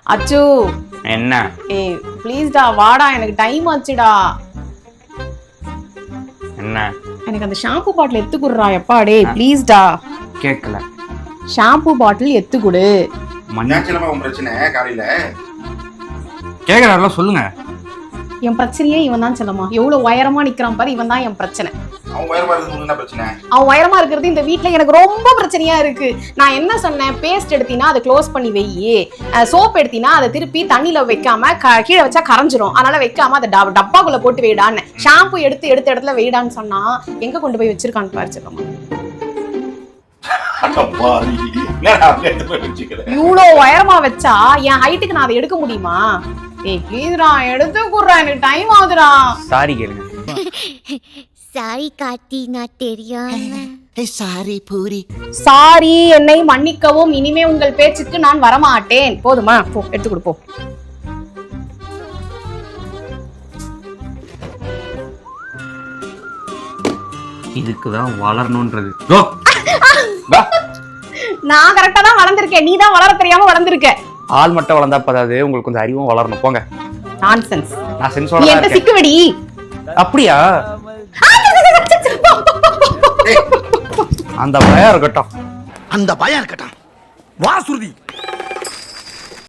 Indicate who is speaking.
Speaker 1: அச்சு
Speaker 2: என்ன?
Speaker 1: ஏய் ப்ளீஸ்டா வாடா, எனக்கு டைம் ஆச்சுடா.
Speaker 2: என்ன?
Speaker 1: எனக்கு அந்த ஷாம்பு பாட்டில் எத்து குடுறா. எப்பா டேய் ப்ளீஸ்டா.
Speaker 2: கேட்கல.
Speaker 1: ஷாம்பு பாட்டில் எத்து குடு.
Speaker 3: மண்ணாச்சலமா உன் பிரச்சனை காலையில
Speaker 2: கேக்குறாருல சொல்லுங்க.
Speaker 1: என் பிரச்சனையே இவன் தான் செல்லமா. எவ்வளவு உயரமா நிக்கிறான் பாரு, இவன் தான் என் பிரச்சனை.
Speaker 3: அவன் உயரமா இருக்கிறது என்ன பிரச்சனை?
Speaker 1: அவன் உயரமா இருக்கிறது இந்த வீட்டுல எனக்கு ரொம்ப பிரச்சனையா இருக்கு. நான் என்ன சொன்னேன், பேஸ்ட் எடுத்தீங்கன்னா அதை க்ளோஸ் பண்ணி வெயி, சோப் எடுத்தீங்கன்னா அதை திருப்பி தண்ணியில வைக்காம கீழே வச்சா கரைஞ்சிரும், அதனால வைக்காம அதை டப்பாக்குள்ள போட்டு வெயிடான்னு. ஷாம்பு எடுத்த இடத்துல வெயிடான்னு சொன்னா எங்க கொண்டு போய் வச்சிருக்கான்னு பாரு செல்லமா. இவ்வளோ உயரமா வச்சா என் ஹைட்டுக்கு நான் அதை எடுக்க முடியுமா? ஏய் ப்ளீஸ்டா எடுத்து குடுறா, எனக்கு டைம் ஆகுதுடா.
Speaker 2: சாரி கேளுங்க.
Speaker 4: சாரி காட்டி நான் தெரியாம.
Speaker 5: சாரி பூரி.
Speaker 1: சாரி, என்னை மன்னிக்கவும். இனிமே உங்கள் பேச்சுக்கு நான் வரமாட்டேன். போதுமா? போ எடுத்து கொடு போ.
Speaker 2: இதுக்குதான் வளரணும்ன்றது.
Speaker 1: நான் கரெக்டா தான் வளர்ந்திருக்கேன், நீ தான் வளர தெரியாம வளர்ந்திருக்க.
Speaker 2: ஆள் மட்டும் வளர்ந்தா பதாது, உங்களுக்கு கொஞ்சம் அறிவும் வளரணும். போங்க.
Speaker 1: நான்சென்ஸ்.
Speaker 2: நான் சென்ஸோட தான்
Speaker 1: என்ன
Speaker 2: இருக்கேன்.
Speaker 1: சிக்குவடி.
Speaker 2: அப்படியா? அந்த பயம் இருக்கட்டும்.
Speaker 5: அந்த பயம் இருக்கட்டும். வா சுருதி.